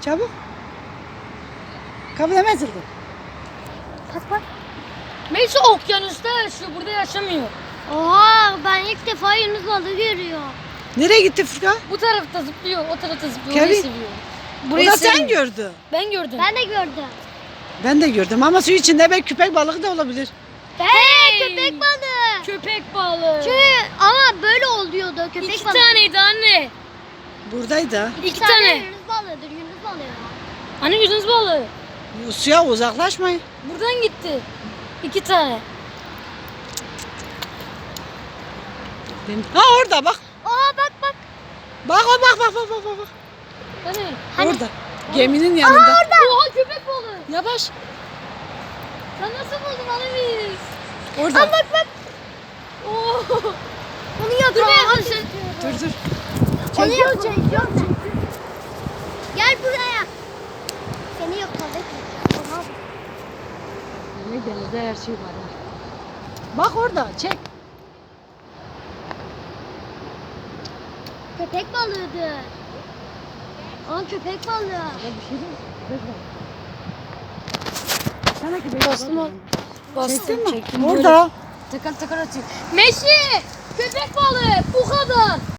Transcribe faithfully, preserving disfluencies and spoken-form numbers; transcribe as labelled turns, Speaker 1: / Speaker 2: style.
Speaker 1: Çabuk. Kapı hemen açıldı.
Speaker 2: Bak bak.
Speaker 3: Melisa okyanusta yaşıyor, burada yaşamıyor.
Speaker 2: Oha, ben ilk defa Yunus balığı görüyorum.
Speaker 1: Nereye gitti Furkan?
Speaker 3: Bu tarafta zıplıyor, o tarafta zıplıyor.
Speaker 1: Kevin.
Speaker 3: Orayı seviyor.
Speaker 1: O
Speaker 3: Burayı
Speaker 1: da sen
Speaker 3: sevmiyor.
Speaker 1: gördü.
Speaker 3: Ben gördüm.
Speaker 2: Ben de gördüm.
Speaker 1: Ben de gördüm ama su içinde belki köpek balığı da olabilir.
Speaker 2: Hey, köpek balığı.
Speaker 3: Köpek balığı.
Speaker 2: Çünkü ama böyle oluyordu köpek
Speaker 3: İki
Speaker 2: balığı.
Speaker 3: taneydi anne.
Speaker 1: Buradaydı ha.
Speaker 3: İki
Speaker 2: tane
Speaker 3: tane.
Speaker 2: Yunus balığıdır, Yunus balığı.
Speaker 3: Anne Yunus balığı.
Speaker 1: Suya uzaklaşmayın.
Speaker 3: Buradan gitti. İki tane.
Speaker 1: Ha orada bak.
Speaker 2: Aa bak bak.
Speaker 1: Bak o bak bak bak bak bak. bak.
Speaker 3: Hani?
Speaker 2: Hani?
Speaker 1: Orada. Geminin yanında.
Speaker 3: Oha köpek balığı.
Speaker 1: Yavaş.
Speaker 3: Sen nasıl buldun anne biz?
Speaker 1: Orada.
Speaker 2: Bak bak.
Speaker 3: Oo.
Speaker 2: Onu yakalamışsın.
Speaker 1: Dur dur.
Speaker 2: Onu yakalamışsın. Gel buraya. Seni yakaladık. Oha.
Speaker 1: Demek denizde her şey var. ha. Bak orada çek.
Speaker 2: Köpek balığıdır. Aa köpek balığı.
Speaker 1: Bir şey değil mi? Sana ki
Speaker 3: Bastım o. Bastım
Speaker 1: Çektin mi?
Speaker 3: çektim.
Speaker 1: Orada.
Speaker 3: Takar takar atıyor. Meşi! Köpek balığı bu kadar.